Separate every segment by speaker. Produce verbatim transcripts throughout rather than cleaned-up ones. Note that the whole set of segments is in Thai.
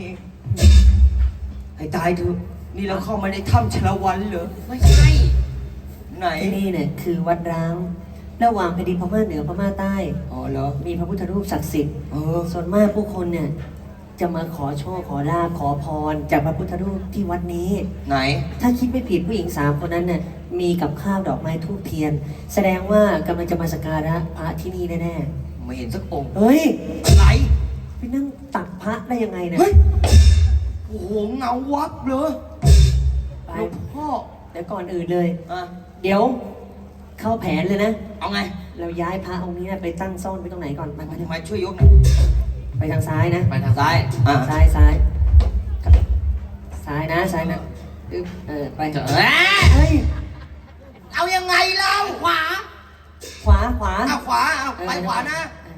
Speaker 1: เองให้ตายเถอะนี่เราเข้ามาในถ้ำชลวันเหรอ
Speaker 2: ไม่ใช่
Speaker 1: ไหน
Speaker 3: ที่นี่เนี่ยคือวัดร้างระหว่างแผ่นดินพม่าเหนือพม่าใต้
Speaker 1: อ๋อเหรอ
Speaker 3: มีพระพุทธรูปศักดิ์สิทธิ์
Speaker 1: เออ
Speaker 3: ส่วนมากผู้คนเนี่ยจะมาขอโชคขอลาภขอพรจากพระพุทธรูปที่วัดนี้
Speaker 1: ไหน
Speaker 3: ถ้าคิดไม่ผิดผู้หญิงสามคนนั้นเนี่ยมีกับข้าวดอกไม้ทูบเทียน แสดงว่ากำลังจะมาสักการะพระที่นี่แน่
Speaker 1: ไม่เห็นสักองค์
Speaker 3: ๆเฮ้ย
Speaker 1: อะไร
Speaker 3: ไปนั่งตักพระได้ยังไงเนี่ย
Speaker 1: เฮ้ยโอ้โหเงาวับเลย
Speaker 3: ไป
Speaker 1: หลวงพ่อ
Speaker 3: เดี๋ยวก่อนอื่นเลย
Speaker 1: อ่ะ
Speaker 3: เดี๋ยวเข้าแผนเลยนะ
Speaker 1: เอาไง
Speaker 3: เราย้ายพระองค์นี้ไปตั้งซ่อนไว้ตรงไหนก่อนไปไป
Speaker 1: มาช่วยยกหน่อย
Speaker 3: ไปทางซ้ายนะ
Speaker 2: ไปทางซ้าย
Speaker 1: อ่ะ
Speaker 3: ซ้ายซ้ายซ้ายนะซ้ายนะอึ๊บเออไป
Speaker 2: เจอ
Speaker 3: เฮ้ย
Speaker 1: เอายังไงเรา
Speaker 2: ขวา
Speaker 3: ขวาขวา
Speaker 1: เอาขวาเอาไปขวานะ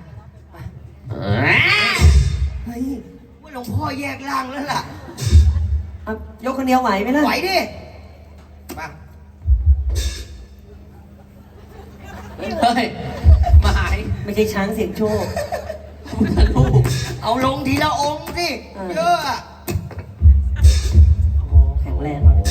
Speaker 3: เฮ้ย
Speaker 1: ว่าหลวงพ่อแยกร่างแล้วล่ะ
Speaker 3: เอายกคนเดียวไหวไหมล่ะ
Speaker 1: ไหวดิมา
Speaker 2: เฮ้ยมาหาย
Speaker 3: ไม่ใช่ช้างเสียงโชค
Speaker 2: พุทธรูป
Speaker 1: เอาลงทีละองค์สิ
Speaker 3: เออ
Speaker 1: เยอะอะ
Speaker 3: โอ้โหแข็งแรงว่ะ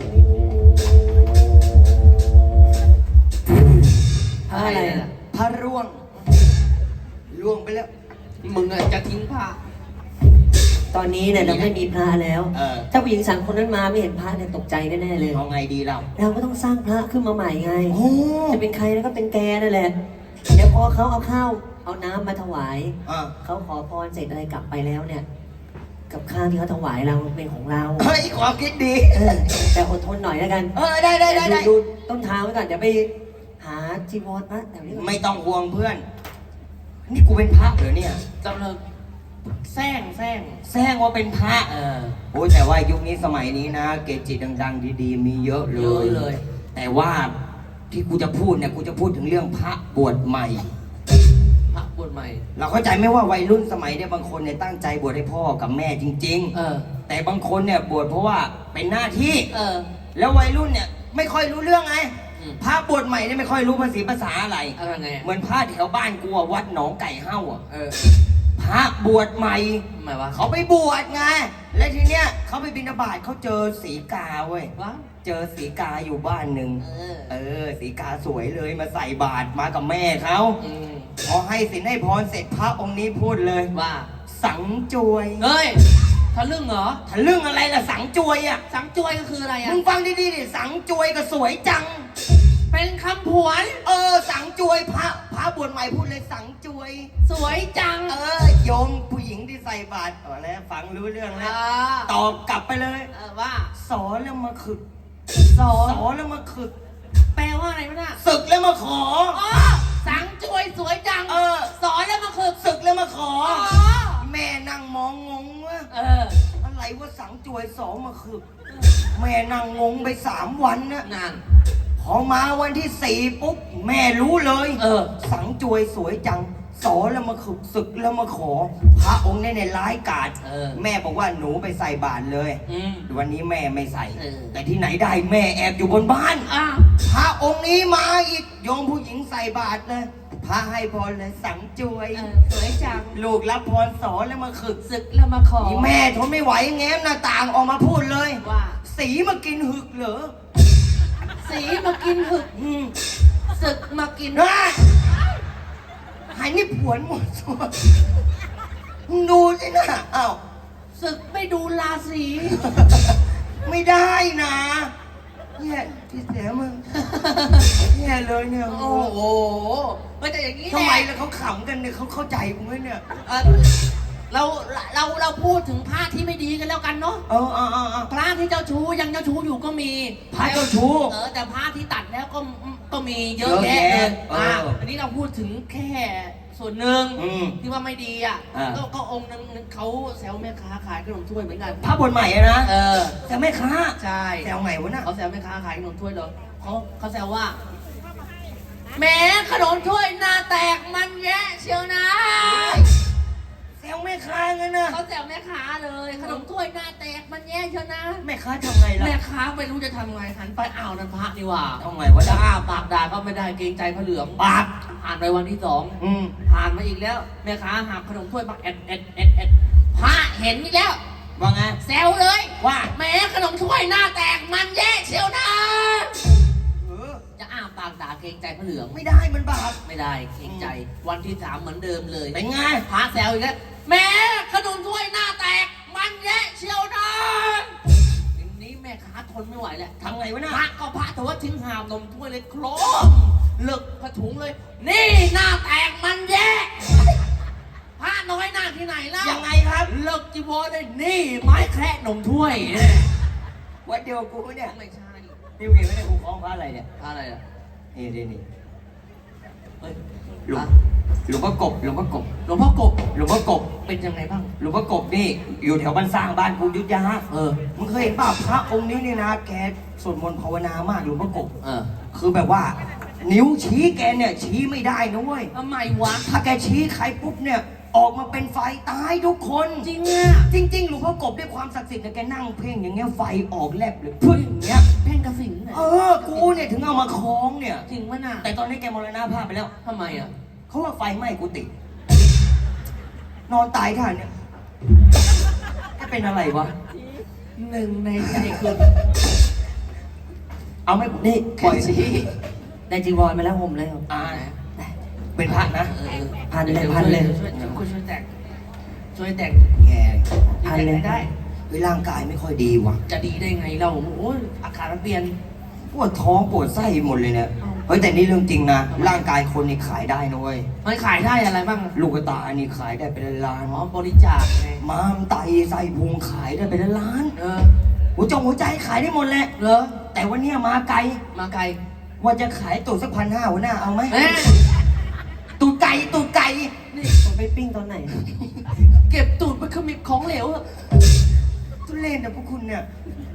Speaker 3: พระอะไรอ่ะ
Speaker 1: พระร่วงร่วงไปแล้ว
Speaker 2: มึงอะจะทิ้งผ้า
Speaker 3: ตอนนี้เนี่ยเราไม่มีพระแล้ว
Speaker 1: เออ
Speaker 3: ถ้าผู้หญิงสามคนนั้นมาไม่เห็นพระเนี่ยตกใจแน่ๆเลย
Speaker 1: เอาไงดีเรา
Speaker 3: เราก็ต้องสร้างพระขึ้นมาใหม่ไง
Speaker 1: โอ้
Speaker 3: จะเป็นใครแล้วก็เป็นแกนั่นแหละ เดี๋ยวพอเขาเอาข้าวเอาน้ำมาถวาย
Speaker 1: อ่ะ
Speaker 3: เขาขอพรเสร็จอะไรกลับไปแล้วเนี่ย กับข้าวที่เขาถวายเราเป็นของเรา
Speaker 1: เฮ้ยความคิดดี
Speaker 3: เออแต่อดทนหน่อยแล้วกัน
Speaker 1: เออได้ได้ได้ได้
Speaker 3: ดูต้นทางไว้ก่อนเดี๋ยวไปหาจีวรพระแถวนี้ก่อน
Speaker 1: ไม่ต้องห่วงเพื่อน นี่กูเป็นพระเหรอเนี่ย
Speaker 2: กำลังแซงแซง
Speaker 1: แซงว่าเป็นพระ
Speaker 2: เออ
Speaker 1: โอ้ยแต่ว่ายุคนี้สมัยนี้นะ เกจิดังๆดีๆมีเยอะเล
Speaker 2: เยอะ
Speaker 1: ย
Speaker 2: เลย
Speaker 1: แต่ว่าที่กูจะพูดเนี่ยกูจะพูดถึงเรื่องพระบวชใหม่
Speaker 2: พระบวชใหม่
Speaker 1: เราเข้าใจไหมว่าวัยรุ่นสมัยเนี่ยบางคนเนี่ยตั้งใจบวชให้พ่อกับแม่จริง
Speaker 2: เออ
Speaker 1: ๆ แต่บางคนเนี่ยบวชเพราะว่าเป็นหน้าที่
Speaker 2: เออ
Speaker 1: แล้ววัยรุ่นเนี่ยไม่ค่อยรู้เรื่องไง
Speaker 2: อืม
Speaker 1: พระบวชใหม่เนี่ยไม่ค่อยรู้ภาษีภาษาอะไร
Speaker 2: อะไรไง
Speaker 1: เหมือนพระแถวบ้านกูอะวัดหนองไก่เฮ้าอ่ะ
Speaker 2: เออ
Speaker 1: พระบวชใหม่
Speaker 2: ทำไมวะ
Speaker 1: เขาไปบวชไง และทีเนี้ยเขาไปบิณฑบาตเขาเจอสีกาเว้ย
Speaker 2: วะ
Speaker 1: เจอสีกาอยู่บ้านหนึ่ง
Speaker 2: เออ
Speaker 1: เออ สีกาสวยเลยมาใส่บาตรมากับแม่เขา
Speaker 2: อืม
Speaker 1: พอให้สินให้พรเสร็จพระองค์นี้พูดเลย
Speaker 2: ว่า
Speaker 1: สังจวย
Speaker 2: เฮ้ยทะลึ่งเหรอ
Speaker 1: ทะลึ่งอะไรล่ะสังจวยอ่ะ
Speaker 2: สังจวยก็คืออะไร
Speaker 1: มึ
Speaker 2: อ่ะ
Speaker 1: งฟังดีๆดิสังจวยก็สวยจัง
Speaker 2: เป็นคำผวน
Speaker 1: เออ สังจวยพระพระบวชใหม่พูดเลยสังจวย
Speaker 2: สวยจัง
Speaker 1: เออโยมผู้หญิงที่ใส่บาตรต่อแล้วฟังรู้เรื่องแล้ว
Speaker 2: อ่า
Speaker 1: ตอบกลับไปเลย
Speaker 2: เออว่า
Speaker 1: สอนแล้วมาขึก
Speaker 2: สอ
Speaker 1: สอนแล้วมาขึก
Speaker 2: แปลว่าอะไรวะน่ะ
Speaker 1: ศึกแล้วมาขอ
Speaker 2: อ๋อสังจวยสวยจัง
Speaker 1: เออ
Speaker 2: สอนแล้วมาคือ
Speaker 1: ศึกแล้วมาขอ
Speaker 2: อ๋อ
Speaker 1: แม่นั่งมองงงว่า
Speaker 2: เออ
Speaker 1: อะไรว่าสังจวยสองมาขึก แม่นั่งงงไปสามวันนะ
Speaker 2: นั่น
Speaker 1: พอมาวันที่สี่ปุ๊บแม่รู้เลย
Speaker 2: เออ
Speaker 1: สังจวยสวยจัง สอนแล้วมาขึกศึกแล้วมาขอ พระองค์เนี่ยในร้ายกาจ
Speaker 2: เออ
Speaker 1: แม่บอกว่าหนูไปใส่บาตรเลย
Speaker 2: อืม
Speaker 1: วันนี้แม่ไม่ใส่
Speaker 2: เออ
Speaker 1: แต่ที่ไหนได้แม่แอบอยู่บนบ้าน
Speaker 2: อ่ะ
Speaker 1: พระองค์นี้มาอีกโยมผู้หญิงใส่บาตรเลย พระให้พรเลยสังจวย
Speaker 2: เออสวยจัง
Speaker 1: ลูกรับพรสอนแล้วมาขึก
Speaker 2: ศึกแล้วมาขอ
Speaker 1: อีแม่ทนไม่ไหวแง้มหน้าต่างออกมาพูดเลย
Speaker 2: ว่า
Speaker 1: สีมากินหึกเหรอ
Speaker 2: สีมากินหึก
Speaker 1: อืม
Speaker 2: ศึกมากิน
Speaker 1: เฮ้ยหายนี่ผวนหมดตัวมึงดูสินะอ้าว
Speaker 2: ศึกไม่ดูราศี
Speaker 1: ไม่ได้นะเนี่ยพี่แสมึงเนี่ยเลยเนี่ย
Speaker 2: โอ้โหไม่แต่อย่างนี้
Speaker 1: ทำไม
Speaker 2: แหละ
Speaker 1: แล้วเขาขำกันเนี่ยเขาเข้าใจกูไหมเนี่ย
Speaker 2: เออเราเราเราพูดถึงพระที่ไม่ดีกันแล้วกันเนาะ
Speaker 1: เออเออเออเออ
Speaker 2: พระที่เจ้าชู้ยังเจ้าชู้อยู่ก็มี
Speaker 1: พระเจ้าชู้
Speaker 2: เออแต่พระที่ตัดแล้วก็ก็มีเยอะ
Speaker 1: เยอะ
Speaker 2: แยะ
Speaker 1: แยะ
Speaker 2: เลย
Speaker 1: เอออ่
Speaker 2: อ่ะอันนี้เราพูดถึงแค่ส่วนหนึ่ง
Speaker 1: อืม
Speaker 2: ที่ว่าไม่ดีอ่ะ
Speaker 1: อ่า
Speaker 2: ก็ก็องค์นึงเขาแซวแม่ค้าขายขนมถ้วยเหมือนกัน
Speaker 1: พระบทใหม่อะนะ
Speaker 2: เออ
Speaker 1: แต่แม่ค้า
Speaker 2: ใช่
Speaker 1: แซวไงวะน่ะ
Speaker 2: เขาแซวแม่ค้าขายขนมถ้วยเหรอเขาเขาแซวว่าแหม้ขนมถ้วยหน้าแตกมันแย่เชียวนะ
Speaker 1: แซวแม่ค้างั้นนะ
Speaker 2: เขาแซวแม่ค้าเลย ขนมถ้วยหน้าแตกมันแย่เชียวนะ
Speaker 1: แม่ค้าทำไงล่ะ
Speaker 2: แม่ค้าไม่รู้จะทำไงหันไปอ้าวนั่นพระนี่หว่า
Speaker 1: ทำไงวะ
Speaker 2: จะ
Speaker 1: น่ะ
Speaker 2: อ้าปากด่าก็ไม่ได้เกรงใจพระเหลือง
Speaker 1: ปาก
Speaker 2: ผ่านไปวันที่สอง
Speaker 1: อืม
Speaker 2: ผ่านมาอีกแล้วแม่ค้าหักขนมถ้วยมาเอ็ดเอ็ดเอ็ดเอ็ดพระเห็นอีกแล้ว
Speaker 1: ว่าไง
Speaker 2: แซวเลย
Speaker 1: ว่า
Speaker 2: แหมขนมถ้วยหน้าแตกมันแย่เชียวนะ
Speaker 1: เออ
Speaker 2: จะอ้าปากด่าเกรงใจพระเหลือง
Speaker 1: ไม่ได้มันบาป
Speaker 2: ไม่ได้เกรงใจ วันที่สามเหมือนเดิมเลย
Speaker 1: เป็นไง
Speaker 2: พระแซวอีกแล้วแหมขนมถ้วยหน้าแตกมันแย่เชียวนะทีนี้แม่ค้าทนไม่ไหวแล้ว
Speaker 1: ทำไงวะ
Speaker 2: พ
Speaker 1: น่ะ
Speaker 2: ระก็พระแต่ว่าทิ้งหามนมถ้วยเลยโครมเลิกผ้าถุงเลย นี่หน้าแตกมันแย่พระน้อยหน้าที่ไหนเล่า
Speaker 1: ยังไงครับ
Speaker 2: เลิกจีวรเลยนี่ไม้แคระนมถ้วย
Speaker 1: วัดเดียวกูปะเนี่ย
Speaker 2: ไม่ใช่
Speaker 1: นี่เห็นไหมเนี่ยกูคล้องพระอะไรเนี่ย
Speaker 2: พระอะไรอ่ะ
Speaker 1: นี่นี่นี่
Speaker 2: เฮ้ย
Speaker 1: หลวงหลวงพ่อกบหลวงพ่อกบ
Speaker 2: หลวงพ่อกบ
Speaker 1: หลวงพ่อกบ
Speaker 2: เป็นยังไงบ้าง
Speaker 1: หลวงพ่อกบนี่อยู่แถวบ้านสร้างบ้านกูอยุทธยา
Speaker 2: เออ
Speaker 1: มึงเคยเห็นป่ะพระองค์นี้นี่นะแกสวดมนต์ภาวนามากหลวงพ่อกบ
Speaker 2: เออ
Speaker 1: คือแบบว่า นิ้วชี้แกเนี่ยชี้ไม่ได้นะเว้ย
Speaker 2: ทำไมวะ
Speaker 1: ถ้าแกชี้ใครปุ๊บเนี่ยออกมาเป็นไฟตายทุกคน
Speaker 2: จริงอ่ะ
Speaker 1: จริงๆหลวงพ่อกบด้วยความศักดิ์สิทธิ์เนี่ยแกนั่งเพ่งอย่างเงี้ยไฟออกแลบเลยพึ่งอย่างเงี้ย
Speaker 2: เพ่งกระสินน่ะ
Speaker 1: เออกูเนี่ยถึงเอามาคล้องเนี่ย
Speaker 2: จริงปะน่ะ
Speaker 1: แต่ตอนนี้แกมรณภาพไปแล้ว
Speaker 2: ทำไมอ่ะ
Speaker 1: เขาว่าไฟไหม้กุฏินอนตายท่าเนี่ยแกเป็นอะไรวะ
Speaker 2: หนึ่งในใจคุณ
Speaker 1: เอาไหม่
Speaker 3: นี่
Speaker 1: ปล่อย
Speaker 2: ชี้
Speaker 3: ได้จีวรมาแล้วห่มแล้ว
Speaker 1: อ่าเป็นพระนะ
Speaker 2: เออ
Speaker 3: พันเลยพันเลย
Speaker 2: ช่วยช่วยช่วยแตกช่วยแตก
Speaker 1: แง่
Speaker 3: พันเลย
Speaker 2: ได้
Speaker 1: เฮ้ยร่างกายไม่ค่อยดีว่ะ
Speaker 2: จะดีได้ไงเราโอ้ยอากาศมันเปลี่ยน
Speaker 1: ปวดท้องปวดไส้หมดเลยเนี่ย เฮ้ยแต่นี่เรื่องจริงนะ ร่างกายคนนี่ขายได้นะเว้ย
Speaker 2: มันขายได้อะไรบ้าง
Speaker 1: ลูกตาอันนี้ขายได้เป็นล้าน
Speaker 2: อ๋อบริจาคไง
Speaker 1: ม้ามไตไส้พุงขายได้เป็นล้าน
Speaker 2: เออ
Speaker 1: หัวจงหัวใจขายได้หมดแหละ
Speaker 2: เหรอ
Speaker 1: แต่วันเนี้ยมาไกล
Speaker 2: มาไกล
Speaker 1: ว่าจะขายตูดสักพันห้าหัวหน้าเอาไหม
Speaker 2: เอ๊ะ
Speaker 1: ตูดไก่ตูดไก่
Speaker 2: นี่
Speaker 3: ผมไปปิ้งตอนไหน
Speaker 2: เก็บตูดไปขมิบของเหลวอะ
Speaker 1: ทุเล่นนะพวกคุณเนี่ย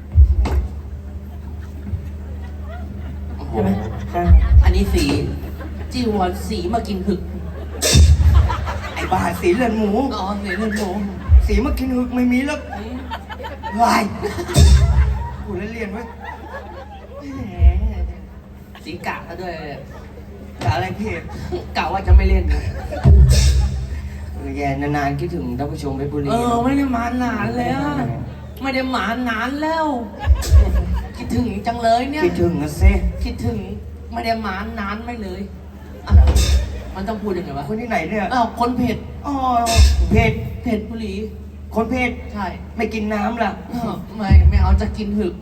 Speaker 3: ใช่ไหมใช่
Speaker 2: อันนี้สีจีวรสีมากินหึก
Speaker 1: ไอ้บ้าสีเลือดหมู
Speaker 2: อ๋อสีเลือดหมู
Speaker 1: สีมากินหึกไม่มีแล้ว
Speaker 2: อืม
Speaker 1: วายกูเล่นเรียนไว้ย
Speaker 2: แหมสีกะซะด้วย
Speaker 1: แต่อะไรพี่
Speaker 2: กะว่าจะไม่เล่นนะ
Speaker 1: เออแย่นานๆคิดถึงท่านผู้ชมเพชรบุรี
Speaker 2: เออไม่ได้มานานแล้วไม่ได้มานานแล้ว คิดถึงจังเลยเนี่ย
Speaker 1: คิดถึงนะเซ่
Speaker 2: คิดถึงไม่ได้มานานไม่เลยอะไรมันต้องพูดยังไงวะ
Speaker 1: คนที่ไหนเนี่ย
Speaker 2: อ้าวคนเผ็ด
Speaker 1: อ๋อเพชร
Speaker 2: เผ็ดบุหรี
Speaker 1: คนเพชร
Speaker 2: ใช่
Speaker 1: ไม่กินน้ำล่ะ
Speaker 2: อ้าวไม่ไม่เอาจะกินหึก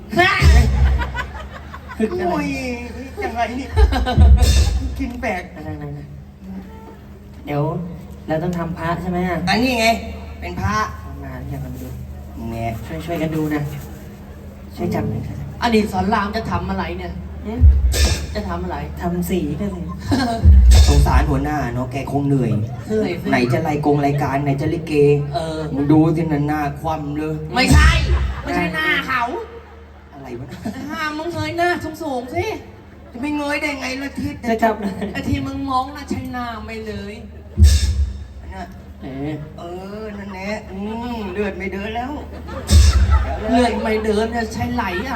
Speaker 3: คึกอะไร
Speaker 1: โอ้ยยังไงนี่ กินแปลก
Speaker 3: นั่งนั่งนั่งเดี๋ยวเราต้องทำพระใช่ไหมอ่ะ
Speaker 1: อันนี้ไง เป็นพระ
Speaker 3: ทำนานอย่างกันดู
Speaker 1: แง่
Speaker 3: ช่วยช่วยกันดูนะ ช่วยจับหน่อยครับ
Speaker 2: อดีตสอนรามจะทำอะไรเนี่ยหึจะทำอะไร
Speaker 3: ทำสีก็เลย
Speaker 1: สงสารหัวหน้าเนาะแกคงเหนื่อย
Speaker 2: เหนื่อยสิ
Speaker 1: ไหนจะรายกงรายการไหนจะลิเก
Speaker 2: เออ
Speaker 1: มึงดูสินันหน้าคว่ำเลย
Speaker 2: ไม่ใช่ ไม่ใช่หน้าเขา
Speaker 1: อะไรวะนะ
Speaker 2: ห้ามมึงเงยหน้าสูงๆสิ
Speaker 1: จะไม่เงยได้ไงละทิศ
Speaker 3: จะจับหน่อย
Speaker 2: ไอ้ที่มึงมองน่ะใช่หน้าไม่เลย
Speaker 1: นะ
Speaker 3: เออ
Speaker 1: เออ นั่นแหละอืมเลือดไม่เดินแล้ว
Speaker 2: เลื่อยไม่เดินเนี่ยใช้ไหลเอา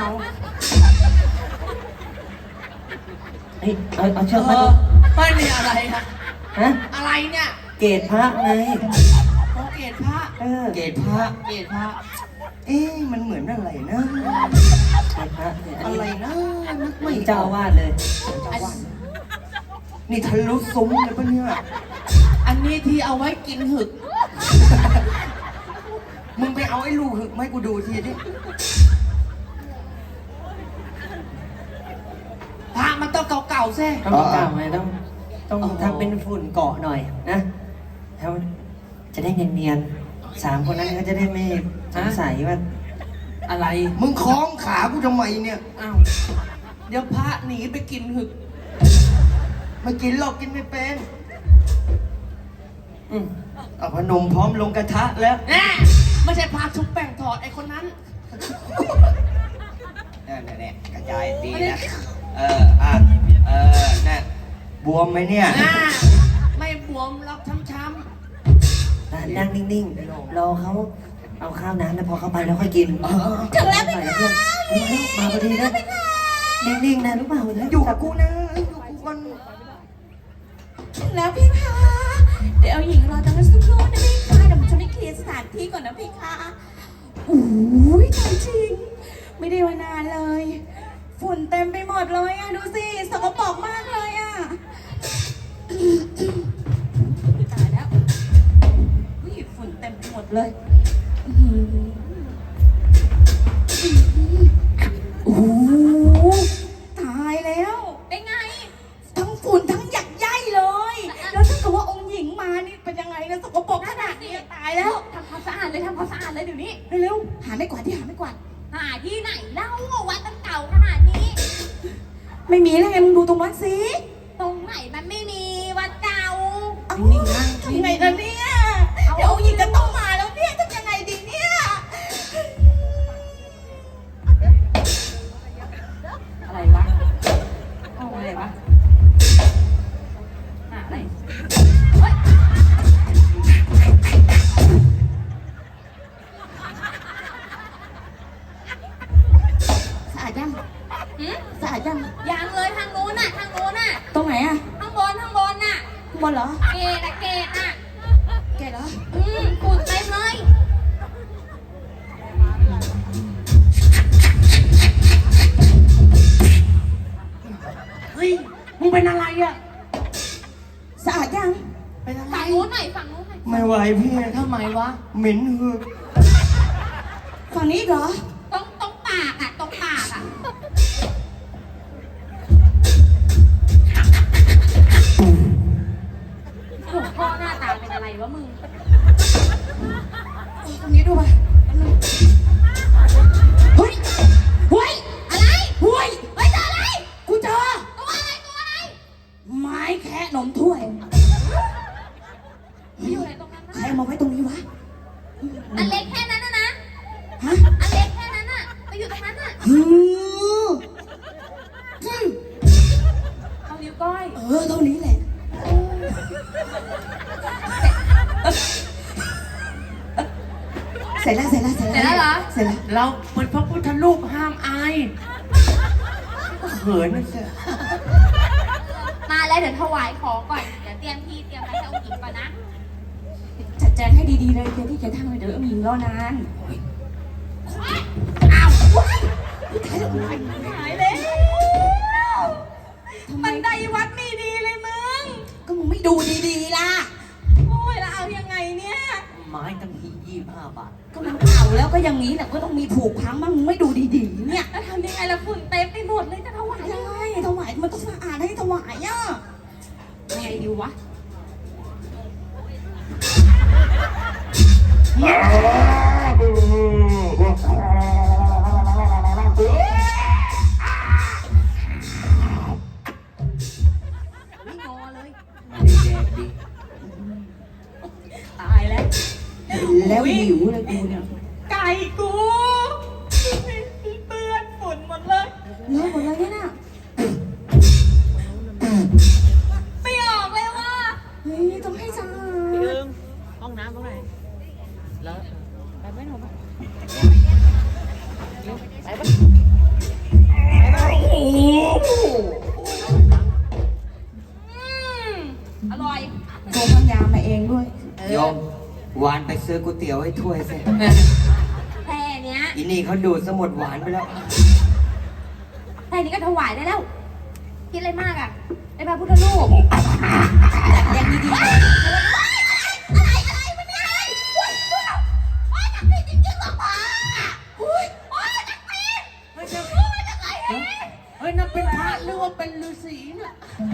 Speaker 3: เฮ้ยเอาเอาเชื
Speaker 2: เอ
Speaker 3: อกมา
Speaker 2: อไม่มีอะไรนะ
Speaker 3: ฮะ
Speaker 2: อะไรเนี่ย
Speaker 3: เกตพระไง
Speaker 2: โอเกตพระ
Speaker 3: เออ
Speaker 1: เกศพระ
Speaker 2: เกตพระ
Speaker 1: เอ๊ะมันเหมือนอะไรนะ
Speaker 3: เกตพระเนี่ยอัน
Speaker 1: อะไร
Speaker 3: นี้
Speaker 1: นะนึกไม่
Speaker 3: นี่เจ้าอาวาสเลย
Speaker 1: เจ้าอาวาสนี่ทะลุซุ้มเลยปะเนี่ย
Speaker 2: อันนี้ที่เอาไว้กินหึก
Speaker 1: มึงไปเอาไอ้ลูกหึกมาให้กูดูทีดิ
Speaker 2: พระมันต้องเก่าๆแซ่
Speaker 3: ต้องเก่าไงต้องต้องทำเป็นฝุ่นเกาะหน่อยนะแล้วจะได้เนียนๆสามคนนั้นก็จะได้ไม่สงสัยว่า
Speaker 2: อะไร
Speaker 1: มึงคล้องขากูทำไมเนี่ย
Speaker 2: อ้าวเดี๋ยวพระหนีไปกินหึก
Speaker 1: ไม่กินหรอกกินไม่เป็น
Speaker 3: อืม
Speaker 1: เอาพนมพร้อมลงกระทะแล้ว
Speaker 2: แน่ไม่ใช่พระชุบแป้งทอดไอ้คนนั้น
Speaker 1: นั่นแหละกระจายดีนะ เออ อ่ะ เออน่ะบวมไหมเนี่ย
Speaker 2: อ่าไม่บวมหรอกช้ำ
Speaker 3: อ่ะนั่งนิ่งๆ รอเขาเอาข้าวน้ำแล้วพอเข้าไปแล้วค่อยกิน
Speaker 1: เออ
Speaker 3: ถึงแล้วไหมคะมาพอดีนะนิ่งๆนะรู้เปล่าเดี๋ยว
Speaker 1: อยู่กับกูนะอยู่กับกูกัน
Speaker 4: ถึงแล้วพี่คะเดี๋ยวหญิงรอตรงนั้นสักครู่นะพี่คะเดี๋ยวผมจะไม่เคลียร์สถานที่ก่อนนะพี่คะโอ้ยตายจริง ไม่ได้มานานเลย ฝุ่นเต็มไปหมดเลยอ่ะ ดูสิสกปรกมากเลยอ่ะตายแล้วอุ้ยฝุ่นเต็มไปหมดเลยอื้อหือโอ้โหตายแล้วเป็นไง ทั้งฝุ่นทั้งหยักใยเลย แล้วถ้าเกิดว่าองค์หญิงมานี่เป็นยังไงนะสกปรกขนาดนี้ตายแล้วทำความสะอาดเลยทำความสะอาดเลยเดี๋ยวนี้เร็วๆหาไม่กวาดที่หาไม่กวาด
Speaker 5: หาที่ไหนเล่าวัดตั้งเก่าขนาดนี้
Speaker 4: ไม่มีแล้วไงมึงดูตรงวัดสิ
Speaker 5: ตรงไหนมันไม่มีวัดเก่า
Speaker 4: เอ้าทำไงล่ะเนี่ยเดี๋ยวองค์หญิงจะต้องมาแล้วเนี่ยทำยังไงดีเนี่ย
Speaker 5: อะไรวะเอาอะไรวะหาอะไรเฮ้ย
Speaker 4: สะอาดยัง
Speaker 5: หืม
Speaker 4: สะอาดยัง
Speaker 5: ยังเลยทางโน้นน่ะทางโน้นน่ะ
Speaker 4: ตรงไหนอะ
Speaker 5: ข้างบนข้างบนน่ะ
Speaker 4: ข้างบนเหรอ
Speaker 5: เกตอะเกตอะ
Speaker 4: แกเหรอ
Speaker 5: อืมฝุ่นเต็มเลย
Speaker 2: เฮ้ย มึงเป็นอะไรอ่ะ
Speaker 4: สะอาดยัง
Speaker 2: เป็นอะไร
Speaker 5: ฝั่งโน้นหน่อยฝั่งโน้นหน่อย
Speaker 1: ไม่ไหวพี่
Speaker 2: ทำไมวะ
Speaker 1: เหม็นหือ
Speaker 4: ฝั่งนี้อีกเหรอ
Speaker 5: ตรงตรงปากอะตรงปากอะ หลวงพ่อหน้าตาเป็นอะไรวะมึง
Speaker 4: ตรงนี้ดูไปเฮ้ยเฮ้ย
Speaker 5: อะไร
Speaker 4: เฮ้ย
Speaker 5: เฮ้ยเจออะไร
Speaker 4: กูเจอ
Speaker 5: ตัวอะไรตัวอะไร
Speaker 4: ไม้แคะนมถ้วย
Speaker 5: ไปอยู่ไหนตรงนั้น
Speaker 4: ใคร
Speaker 5: นะ
Speaker 4: เอามาไว้ตรงนี้วะ
Speaker 5: อันเล็กแค่นั้นนะนะ
Speaker 4: ฮะ
Speaker 5: อันเล็กแค่นั้นน่ะไปอยู่ตรงนั้นน่ะ
Speaker 4: ฮืออืม
Speaker 5: เอานิ้วก้อย
Speaker 4: เออเท่านี้แหละเสร็จแล้วเสร็จแล้วเสร็จ
Speaker 5: เสร็จ
Speaker 4: แล้
Speaker 5: แล้ว วเหรอ
Speaker 4: เสร็จแล้ว
Speaker 2: เราเป็นพระพุทธรูปห้ามอายเขินนะเสีย
Speaker 5: มาแล้วเดี๋ยวถวายของก่อน เดี๋ยวเตรียมที่เตรียมอะไรให้เอาหญิงก่อนนะ
Speaker 4: จัดแจงให้ดีๆเลยเดี๋ยวที่แกทำเลยเดี๋ยวหญิงรอนาน
Speaker 5: อ้าว
Speaker 4: หายแล้วบันไดวัดไม่ดีเลยมึง ก็มึงไม่ดูดีๆล่ะ โอ้ยแล้วเอายังไงเนี่ย
Speaker 2: ไม้ตั้งที่ยี่สิบห้าบาท
Speaker 4: ก็มันเก่าแล้วก็อย่างนี้แหละก็ต้องมีผูกพังบ้างมึงไม่ดูดีๆเนี่ย
Speaker 5: แล้วทำยังไงล่ะฝุ่นเต็มไปหมดเลยจะถวายยังไง
Speaker 4: ใช่ถวายมันต้องสะอาดให้ถวายอ่ะ
Speaker 5: ยังไงดีวะ ไม่งอเลย
Speaker 2: ไม่ได้แดกดิ
Speaker 5: ตายแล้ว
Speaker 4: แล้วหิวเลยกูเนี่ย
Speaker 5: ไก่กูเปื้อนฝุ่นหมดเลย
Speaker 4: เลิกหมดเลยเนี่ยน่ะ
Speaker 5: ไม่ออกเลยว่า
Speaker 4: เฮ้ยต้องให้สะอาด
Speaker 6: ห้องน้ำตรงไหนแล้วไปไหมหนูไปไปปะ
Speaker 5: อืมอร่อย
Speaker 4: โทรพังยามาเองด้วย
Speaker 1: โยมหวานไปซื้อก๋วยเตี๋ยวให้ถ้วยสิ
Speaker 5: แค่เนี้ย
Speaker 1: อีนี่เขาดูดสมุดหวานไปแล้ว
Speaker 5: แค่นี้ก็ถวายได้แล้ว คิดอะไรมากอ่ะไอ้พระพุทธรูปอย่างดีๆอะไรอะไรมันเป็นอะไรว้ายว้ายจักรีจริงๆหรอพ่ออุ้ยโอ้ยจักรี
Speaker 2: เฮ้ยเดี๋ยว
Speaker 5: โอ้ยจักรี
Speaker 2: เฮ้ยนั่นเป็นพระหรือว่าเป็นฤาษีเนี่ย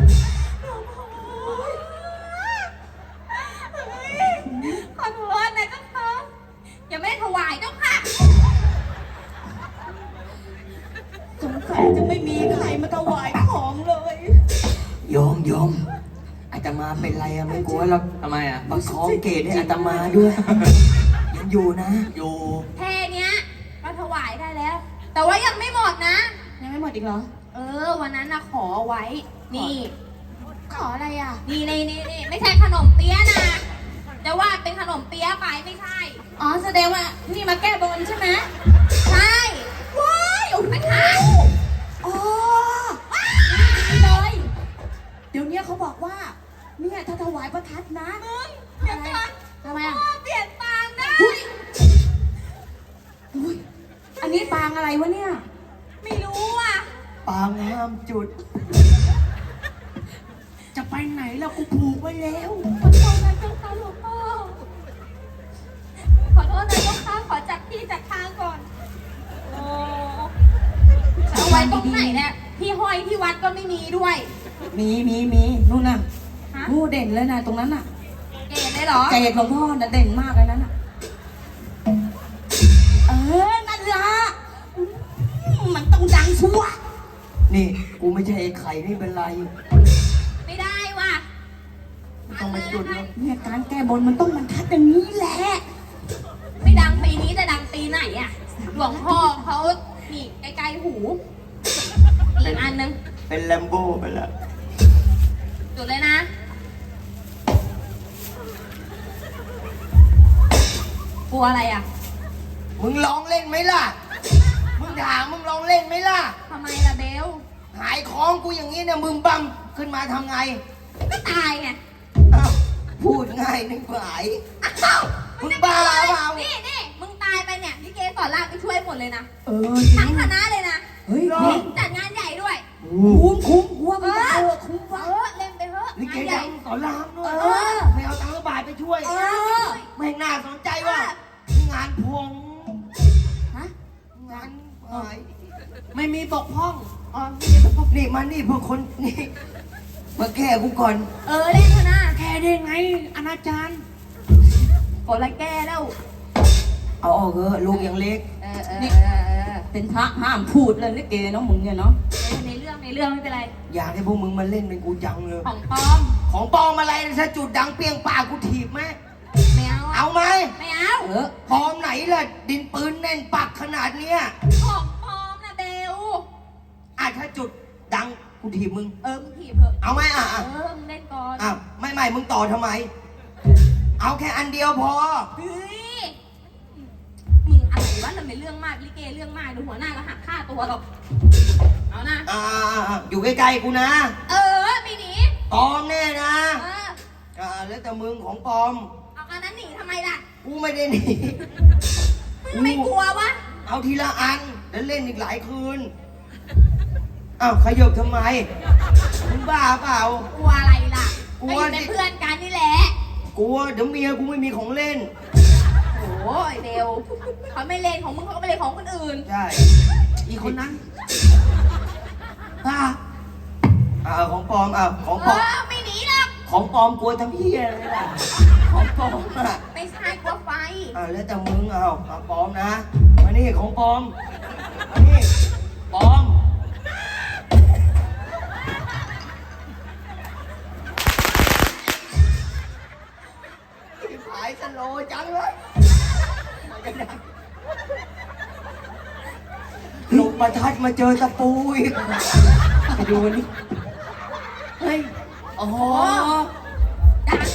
Speaker 5: ขอโทษนะเจ้าค่ะยังไม่ได้ถวายเจ้าค่ะ
Speaker 4: สงสัยจะไม่มีใครมาถวายของเลย
Speaker 1: โยมโยมอาตมาเป็นไรอะไม่กลัวหรอก
Speaker 2: ทำไมอ่ะ
Speaker 1: ประคองเกศให้อาตมาด้วย ยังอยู่นะ
Speaker 2: อยู่
Speaker 5: แค่เนี้ยก็ถวายได้แล้ว แต่ว่ายังไม่หมดนะ
Speaker 4: ยังไม่หมดอีกเหรอ
Speaker 5: เออ วันนั้นนะขอไว้ นี่
Speaker 4: ขออะไรอ่ะ
Speaker 5: นี่นี่นี่นี่ไม่ใช่ขนมเปี๊ยะนะจะว่าเป็นขนมเปี๊ยะไปไม่ใช่
Speaker 4: อ๋อแสดงว่านี่มาแก้บนใช่ไหม
Speaker 5: ใช่
Speaker 4: ว้ายโอ้โห
Speaker 5: ไม่ใช่
Speaker 4: อ๋อ
Speaker 5: นี่เลย
Speaker 4: เดี๋ยวนี้เขาบอกว่า เนี่ยถ้าถวายประทัดนะมึง
Speaker 5: เดี๋ยวก่อน
Speaker 4: ทำไมอ่ะ
Speaker 5: พ่อเปลี่ยนปางได้
Speaker 4: เฮ้ยนนี้ปางอะไรวะเนี่ย
Speaker 5: ไม่รู้อ่ะ
Speaker 1: ปางห้ามจุด
Speaker 2: จะไปไหนแล้วกูผูกไว้แล้ว
Speaker 5: ขอโทษนะเจ้าค่ะหลวงพ่อ ขอโทษนะเจ้าค่ะ ขอจัดที่จัดทางก่อน โอ้เอาไว้ตรงไหนเนี่ยพี่ห้อยที่วัดก็ไม่มีด้วย
Speaker 4: มีมีมีนู่นน่ะ
Speaker 5: ฮะ
Speaker 4: นู่นเด่นเลยนะตรงนั้นน่ะ
Speaker 5: เก๋เลยเหรอ
Speaker 4: เจดหลวงพ่อน่ะเด่นมากเลยนั้นน่ะ เออ นั่นละอืมมันต้องดังชัวร์
Speaker 1: นี่กูไม่ใช่ไอ้ไข่นี่เป็นไร
Speaker 5: ไม่ได้ว่ะ
Speaker 1: ไม่ต้องมาจุดแล้ว
Speaker 4: เนี่ยการแก้บนมันต้องบรรทัดอย่างนี้แหละ
Speaker 5: ไม่ดังปีนี้จะดังปีไหนอ่ะ หลวงพ่อเขานี่ใกล้ๆหู อีกอันนึง
Speaker 1: เป็นแลมโบ้ไปแล้ว
Speaker 5: จุดเลยนะ กลัวอะไรอ่ะ
Speaker 1: มึงลองเล่นไหมล่ะ มึงถามมึงลองเล่นไหมล่ะ
Speaker 5: ทำไมล่ะเบล
Speaker 1: หายคล้องกูอย่างนี้เนี่ยมึงบัมขึ้นมาทำไง
Speaker 5: ก็ตายไง
Speaker 1: อ้าวพูดง่ายนึกหาย
Speaker 5: อ้าว
Speaker 1: มึงบ้าเปล่า
Speaker 5: นี่นี่มึงตายไปเนี่ยลิเกสอนรามไปช่วยหมดเลยนะ
Speaker 4: เออจริ
Speaker 5: ทั้ง
Speaker 4: ง
Speaker 5: คณะเลยนะ
Speaker 4: เฮ้ย
Speaker 5: นี่จัดงานใหญ่ด้วย
Speaker 4: คุ้มคุ้มกลัวมันเออคุ้ม
Speaker 5: เอ
Speaker 4: วะ
Speaker 5: อเล่นไปเถอะ
Speaker 1: ลิเก
Speaker 5: งานให
Speaker 1: ดั
Speaker 5: ญ่
Speaker 1: งสอนรามด้วย
Speaker 5: เออ
Speaker 1: ไม่เอาตังค์บาทไปช่วย
Speaker 5: เออ
Speaker 1: ไม่น่าสนใจว่ะงานพวง
Speaker 5: ฮะ
Speaker 1: งานหาย
Speaker 2: ไม่มีบกพร่อง
Speaker 1: อ๋อนี่มานี่พวกคนนี่มาแก้กูก่อน
Speaker 5: เออเล่นเถอะนะ
Speaker 2: แค่ได้ไงอนาจาร
Speaker 5: กดละแก้แล้ว
Speaker 1: เอาออกเถอะลูกยังเล็ก
Speaker 5: เออเออเออเออ
Speaker 4: เป็นพระห้ามพูดเลยลิเกเนาะมึงเนี่ยเนาะ
Speaker 5: ในเรื่องในเรื่องไม่เป็นไร
Speaker 1: อยากให้พวกมึงมาเล่นเป็นกูจังเลย
Speaker 5: ของปลอม
Speaker 1: ของปลอมอะไรถ้าจุดดังเปรี้ยงปากกูถีบไหม
Speaker 5: ไม่เอาอะ
Speaker 1: เอาไหม
Speaker 5: ไม่เอา
Speaker 4: เออ
Speaker 1: ปลอมไหนล่ะ ดินปืนแน่นปักขนาดเนี้ย
Speaker 5: ของปลอมนะเบล
Speaker 1: อ่ะถ้าจุดดังกูถีบมึง
Speaker 5: เออมึงถีบเถอะ
Speaker 1: เอาไหมอ่ะ
Speaker 5: เอ
Speaker 1: อ่ะ
Speaker 5: อมึงเล่นก่อน
Speaker 1: อ่ะไม่ไม่มึงต่อทำไม เอาแค่อันเดียวพอ
Speaker 5: เฮ้ยมึงอะไรวะเราไม่เรื่องมากลิเกเรื่องมากดูหัวหน้าก็หักค่าตัวหรอกเอานะ
Speaker 1: อ่าอ่ะอยู่ใกล้ๆกูนะ
Speaker 5: เออไม่หนี
Speaker 1: ปลอมแน่นะ
Speaker 5: เออ
Speaker 1: อ่าแล้วแต่มึงของปลอม
Speaker 5: เอาอันนั้นหนีทำไมล่ะ
Speaker 1: กูไม่ได้หนี
Speaker 5: มึงไม่กลัววะ
Speaker 1: เอาทีละอันแล้วเล่นอีกหลายคืน อ้าวขยบทำไม มึงบ้าเปล่า
Speaker 5: กลัวอะไรล่ะ
Speaker 1: กลั
Speaker 5: ก็
Speaker 1: ว
Speaker 5: อยู่
Speaker 1: ดิ
Speaker 5: เป็นเพื่อนกันนี่แหละ
Speaker 1: กลัวเดี๋ยวเมียกูไม่มีของเล่น
Speaker 5: โอ้ยเบลเขาไม่เล่นของมึงเขาก็ไม่เล่นของคนอื่น
Speaker 1: ใช่
Speaker 2: อีกคนนั้น
Speaker 1: อ่าอ่าของปลอมอ่าของ
Speaker 5: เอ
Speaker 1: ปลอม
Speaker 5: อไม่หนีหรอก
Speaker 1: ของปลอมกลัวทำเพี้ยอะไรล่ะ ของปลอมอ่ะ
Speaker 5: ไม่ใช่กลัวไฟ
Speaker 1: อ่าแล้วแต่มึงเอาเอาปลอมนะ มานี่ของปลอมมานี่ปลอม หายสโลว์จังเลยลงประทัดมาเจอตะปูอีกไปดูนี่
Speaker 2: เฮ้ย โอ้โห
Speaker 5: ดัง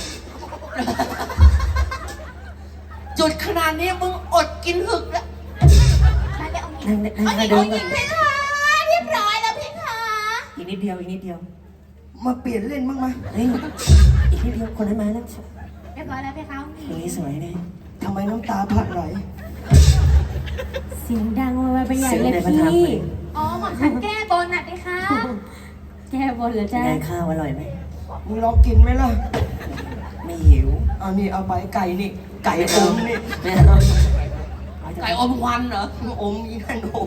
Speaker 2: จุดขนาดนี้มึงอดกินหึกแล้ว
Speaker 5: มาแล้วเอาหนี
Speaker 3: นั่งนั่ง
Speaker 5: เอาหนี
Speaker 3: นั่งเดิ
Speaker 5: เอา
Speaker 3: น
Speaker 5: หนี
Speaker 3: ก่อน
Speaker 5: เพคะเรียบร้อยแล้วเพคะ
Speaker 3: อีกนิดเดียวอีกนิดเดียว
Speaker 1: มาเปลี่ยนเล่นบ้างไหม
Speaker 3: เฮ้ยอีกนิดเดียวคนนั้นมาแล้ว
Speaker 5: เรียบร้อยแล้วเพคะเอาหนี
Speaker 3: คนนี้สวยเลย
Speaker 1: ทำไมน้ำตาพัดไหล
Speaker 7: เสียงดังมาไปใหญ่
Speaker 3: เสียง
Speaker 7: เลย
Speaker 3: ในประทับ
Speaker 7: พี่
Speaker 3: เลย
Speaker 5: อ๋อหมอฉันแก้บนน่ะเพคะ
Speaker 7: แก้บนเหรอจ๊ะ
Speaker 3: ได้ข้าวอร่อยไหม
Speaker 1: มึงลองกินไหมล่ะ
Speaker 3: ไม่หิว
Speaker 1: เอานี่เอาไปไก่นี่ ไก่อมนี่
Speaker 3: ไม่เอา
Speaker 2: ไก่อมควันเหรอ
Speaker 1: อมอีนั่นอม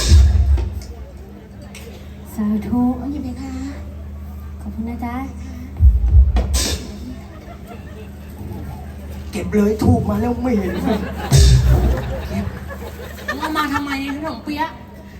Speaker 7: สาธุ
Speaker 5: เอาหนีเพคะ
Speaker 7: ขอบคุณนะจ๊ะ
Speaker 1: เก็บเลยถูกมาแล้วไม่เห็น
Speaker 2: มึงเอามาทำไมขนมเปี๊ยะ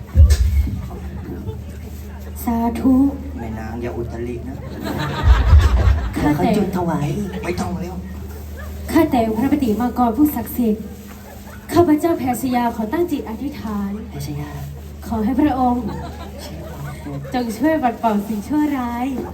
Speaker 7: สาธุ
Speaker 1: แม่นางอย่าอุตรินะ
Speaker 3: เดี๋ยวเขาจุดถวายอีก
Speaker 1: ไม่ต้องแล้ว
Speaker 7: ข้าแต่พระปฏิมากรผู้ศักดิ์สิทธิ์ข้าพเจ้าแพรชยาขอตั้งจิตอธิษฐาน
Speaker 3: เพชรยา
Speaker 7: ขอให้พระองค์ จงช่วยปัดเป่าสิ่งชั่วร้าย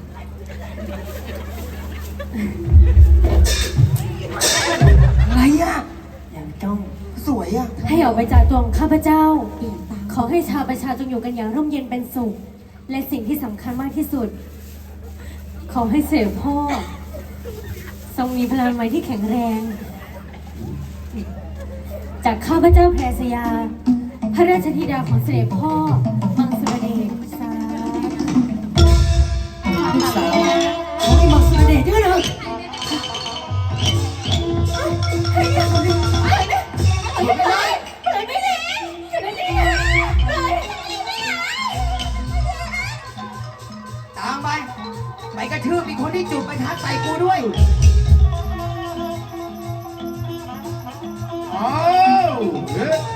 Speaker 1: อะไรอ่ะ
Speaker 3: อย่างจ้อง
Speaker 1: สวยอ่ะ
Speaker 7: ให้ออกไปจากตัวของข้าพเจ้า ขอให้ชาวประชาจงอยู่กันอย่างร่มเย็นเป็นสุข และสิ่งที่สำคัญมากที่สุด ขอให้เสด็จพ่อ ทรงมีพลังไม้ที่แข็งแรง จากข้าพเจ้าแพรสยาพระราชธิดาของเสด็จพ่อมังสุรเดชสาธุ
Speaker 3: ลูกสาวของไอ้มังสุรเดชด้วยเหรอ
Speaker 1: ตามไป ไปกระทืบอีกคนที่จุดไปท้าใส่กูด้วยอ้าวเฮ้ย